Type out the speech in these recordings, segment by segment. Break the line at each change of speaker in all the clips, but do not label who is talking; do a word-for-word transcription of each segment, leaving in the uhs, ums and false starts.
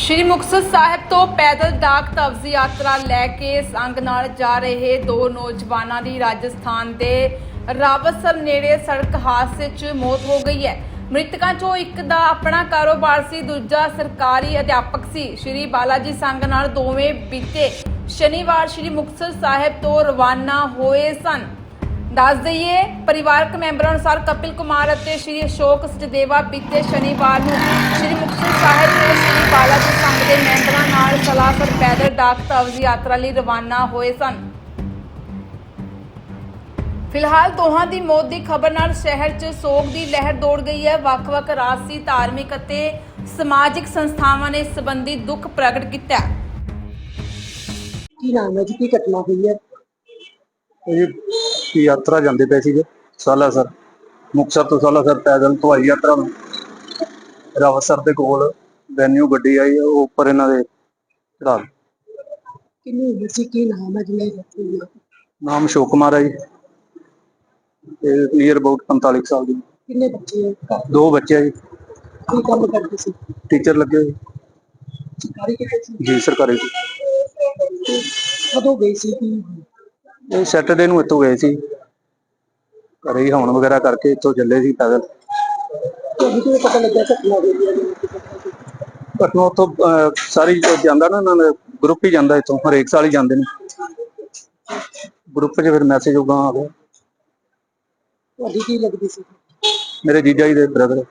ਸ਼੍ਰੀ ਮੁਕਤਸਰ ਸਾਹਿਬ ਤੋਂ ਪੈਦਲ ਡਾਕ ਤਵਜ਼ੀ ਯਾਤਰਾ ਲੈ ਕੇ ਸੰਗ ਨਾਲ ਜਾ ਰਹੇ ਦੋ ਨੌਜਵਾਨਾਂ ਦੀ ਰਾਜਸਥਾਨ ਦੇ ਰਾਵਤਸਰ ਨੇੜੇ ਸੜਕ ਹਾਦਸੇ 'ਚ ਮੌਤ ਹੋ ਗਈ ਹੈ। ਮ੍ਰਿਤਕਾਂ 'ਚੋਂ ਇੱਕ ਦਾ ਆਪਣਾ ਕਾਰੋਬਾਰ ਸੀ, ਦੂਜਾ ਸਰਕਾਰੀ ਅਧਿਆਪਕ ਸੀ। ਸ਼੍ਰੀ ਬਾਲਾਜੀ ਸੰਗ ਨਾਲ ਦੋਵੇਂ ਬੀਤੇ ਸ਼ਨੀਵਾਰ ਸ਼੍ਰੀ ਮੁਕਤਸਰ ਸਾਹਿਬ ਤੋਂ ਰਵਾਨਾ ਹੋਏ ਸਨ। ਦੱਸ ਦਈਏ, ਪਰਿਵਾਰਕ ਮੈਂਬਰਾਂ ਅਨੁਸਾਰ ਕਪਿਲ ਕੁਮਾਰ ਅਤੇ ਸ਼੍ਰੀ ਅਸ਼ੋਕ ਸਚਦੇਵਾ ਬੀਤੇ ਸ਼ਨੀਵਾਰ ਨੂੰ ਸ਼੍ਰੀ ਮੁਕਤਸਰ ਸਾਹਿਬ ਤੋਂ ਸ਼੍ਰੀ ਬਾਲਾਜੀ ਸੰਘ ਦੇ ਮੈਂਬਰਾਂ ਨਾਲ ਸਲਾਹਕਾਰ ਪੈਦਲ ਡਾਕ ਤਵਜ਼ੀ ਯਾਤਰਾ ਲਈ ਰਵਾਨਾ ਹੋਏ ਸਨ। ਫਿਲਹਾਲ ਦੋਹਾਂ ਦੀ ਮੌਤ ਦੀ ਖਬਰ ਨਾਲ ਸ਼ਹਿਰ 'ਚ ਸੋਗ ਦੀ ਲਹਿਰ ਦੌੜ ਗਈ ਹੈ। ਵੱਖ-ਵੱਖ ਰਾਜਸੀ, ਧਾਰਮਿਕ ਅਤੇ ਸਮਾਜਿਕ ਸੰਸਥਾਵਾਂ ਨੇ ਇਸ ਸੰਬੰਧੀ ਦੁੱਖ ਪ੍ਰਗਟ ਕੀਤਾ।
ਕੀ ਨਾਮ ਹੈ ਜੀ? ਕੀ ਘਟਨਾ ਹੋਈ ਹੈ?
ਇਹ ਯਾਤਰਾ ਜਾਂਦੇ ਪਏ ਸੀਗੇ ਸਾਲਾਸਰ, ਮੁਕਤਸਰ ਤੋਂ ਸਾਲਾਸਰ ਪੈਦਲ ਹਵਾਈ ਯਾਤਰਾ ਨੂੰ। ਰਾਵਤਸਰ ਦੇ ਕੋਲ ਵੈਨਿਊ ਗੱਡੀ ਆਈ, ਉਹ ਉੱਪਰ ਇਹਨਾਂ ਦੇ ਚੜਾ ਦਿੱਤੀ।
ਕਿੰਨੀ ਉਮਰ ਸੀ? ਕੀ ਨਾਮ ਹੈ ਜੀ?
ਨਾਮ ਅਸ਼ੋਕ ਕੁਮਾਰ ਹੈ ਜੀ, ਤੇ ਨੀਅਰ ਅਬਾਊਟ ਪੰਤਾਲੀ ਸਾਲ ਦੀ।
ਕਿੰਨੇ ਬੱਚੇ ਹੈ?
ਦੋ ਬੱਚੇ ਆ ਜੀ।
ਕੀ ਕੰਮ ਕਰਦੇ ਸੀ?
ਟੀਚਰ ਲੱਗੇ ਹੋਏ
ਸਰਕਾਰੀ ਕਿਤੇ ਸੀ?
ਜੀ, ਸਰਕਾਰੀ।
ਕਦੋਂ ਗਏ ਸੀ? ਕੀ
ਇਹ ਸੈਟਰਡੇ ਨੂੰ ਇੱਥੋਂ ਗਏ ਸੀ, ਘਰੇ ਹੀ ਹਵਨ ਵਗੈਰਾ ਕਰਕੇ ਇੱਥੋਂ ਚੱਲੇ ਸੀ ਪੈਦਲ।
ਤੁਹਾਨੂੰ ਕਿਵੇਂ ਪਤਾ ਲੱਗਿਆ ਘਟਨਾ ਹੋਈ ਹੈ?
ਘਟਨਾ ਉੱਥੋਂ ਅਹ, ਸਾਰੀ ਜਾਂਦਾ ਨਾ, ਇਹਨਾਂ ਦਾ ਗਰੁੱਪ ਹੀ ਜਾਂਦਾ ਇੱਥੋਂ, ਹਰੇਕ ਸਾਲ ਹੀ ਜਾਂਦੇ ਨੇ ਗਰੁੱਪ 'ਚ। ਫਿਰ ਮੈਸੇਜ ਉਗਾ ਆ ਗਿਆ।
ਤੁਹਾਡੀ ਕੀ ਲੱਗਦੀ ਸੀ?
ਮੇਰੇ ਜੀਜਾ ਜੀ ਦੇ ਬ੍ਰਦਰ।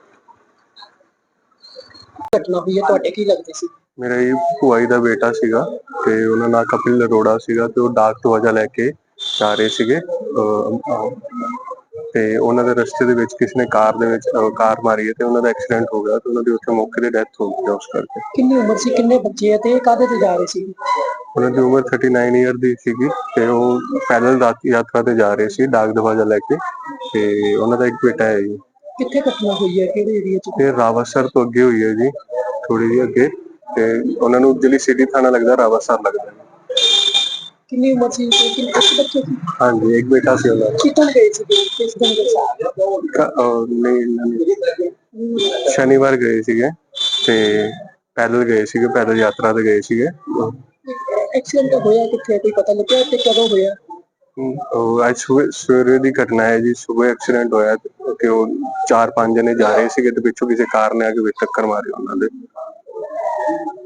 ਘਟਨਾ ਹੋਈ ਹੈ, ਤੁਹਾਡੇ ਕੀ ਲੱਗਦੇ ਸੀ?
ਮੇਰਾ ਜੀ ਭੂਆ ਜੀ ਦਾ ਬੇਟਾ ਸੀਗਾ, ਤੇ ਉਹਨਾਂ ਨਾਲ ਕਪਿਲ ਅਰੋੜਾ ਸੀਗਾ, ਤੇ ਉਹ ਡਾਕ ਤਵਜ਼ਾ ਲੈ ਕੇ ਜਾ ਰਹੇ ਸੀਗੇ। ਅਹ, ਅਹ, ਤੇ ਉਹਨਾਂ ਦੇ ਰਸਤੇ ਦੇ ਵਿੱਚ ਕਿਸੇ ਨੇ ਕਾਰ ਦੇ ਵਿੱਚ ਅਹ, ਕਾਰ ਮਾਰੀ ਹੈ, ਤੇ ਉਹਨਾਂ ਦਾ ਐਕਸੀਡੈਂਟ ਹੋ ਗਿਆ, ਤੇ ਉਹਨਾਂ ਦੀ ਉੱਥੇ ਮੌਕੇ ਤੇ ਡੈਥ ਹੋ ਗਈ ਉਸ ਕਰਕੇ।
ਕਿੰਨੀ ਉਮਰ ਸੀ? ਕਿੰਨੇ ਬੱਚੇ ਹੈ ਤੇ ਇਹ ਕਾਹਦੇ ਤੇ ਜਾ ਰਹੇ ਸੀ?
ਉਹਨਾਂ ਦੀ ਉਮਰ ਉਨਤਾਲੀ ਈਅਰ ਦੀ ਸੀਗੀ, ਤੇ ਉਹ ਪੈਦਲ ਯਾਤਰਾ ਤੇ ਜਾ ਰਹੇ ਸੀ ਡਾਕ ਤਵਜ਼ਾ ਲੈ ਕੇ, ਤੇ ਉਹਨਾਂ ਦਾ ਇੱਕ ਬੇਟਾ ਹੈ ਜੀ।
ਕਿੱਥੇ ਘਟਨਾ ਹੋਈ ਹੈ? ਕਿਹੜੇ ਏਰੀਆ 'ਚ?
ਇਹ ਰਾਵਤਸਰ ਤੋਂ ਅੱਗੇ ਹੋਈ ਹੈ ਜੀ, ਥੋੜੀ ਜਿਹੀ ਅੱਗੇ, ਤੇ ਉਹਨਾਂ ਨੂੰ ਜਿਹੜੀ ਸਿਟੀ ਥਾਣਾ ਲੱਗਦਾ, ਰਾਵਤਸਰ ਲੱਗਦਾ।
ਕਿੰਨੀ ਉਮਰ ਸੀ? ਕਿੰਨੇ ਬੱਚੇ ਸੀ?
ਹਾਂਜੀ, ਇੱਕ ਬੇਟਾ ਸੀ ਉਹਨਾਂ ਦਾ।
ਕਿੱਥੋਂ ਗਏ ਸੀ? ਕਿਸ ਦਿਨ ਗਏ ਸੀ?
ਨਹੀਂ, ਨਹੀਂ, ਸ਼ਨੀਵਾਰ ਗਏ ਸੀਗੇ, ਤੇ ਪੈਦਲ ਗਏ ਸੀਗੇ, ਪੈਦਲ ਯਾਤਰਾ ਤੇ ਗਏ ਸੀਗੇ।
ਐਕਸੀਡੈਂਟ ਹੋਇਆ ਕਿੱਥੇ? ਕੋਈ ਪਤਾ ਲੱਗਿਆ ਤੇ ਕਦੋਂ ਹੋਇਆ?
ਉਹ ਅੱਜ ਸਵੇਰੇ ਦੀ ਘਟਨਾ ਹੈ ਜੀ। ਸਵੇਰੇ ਐਕਸੀਡੈਂਟ ਹੋਇਆ, ਤੇ ਉਹ ਚਾਰ ਪੰਜ ਜਣੇ ਜਾ ਰਹੇ ਸੀਗੇ, ਤੇ ਪਿੱਛੋਂ ਕਿਸੇ ਕਾਰ ਨੇ ਆ ਕੇ ਵਿੱਚ ਟੱਕਰ ਮਾਰੀ ਉਹਨਾਂ ਦੇ।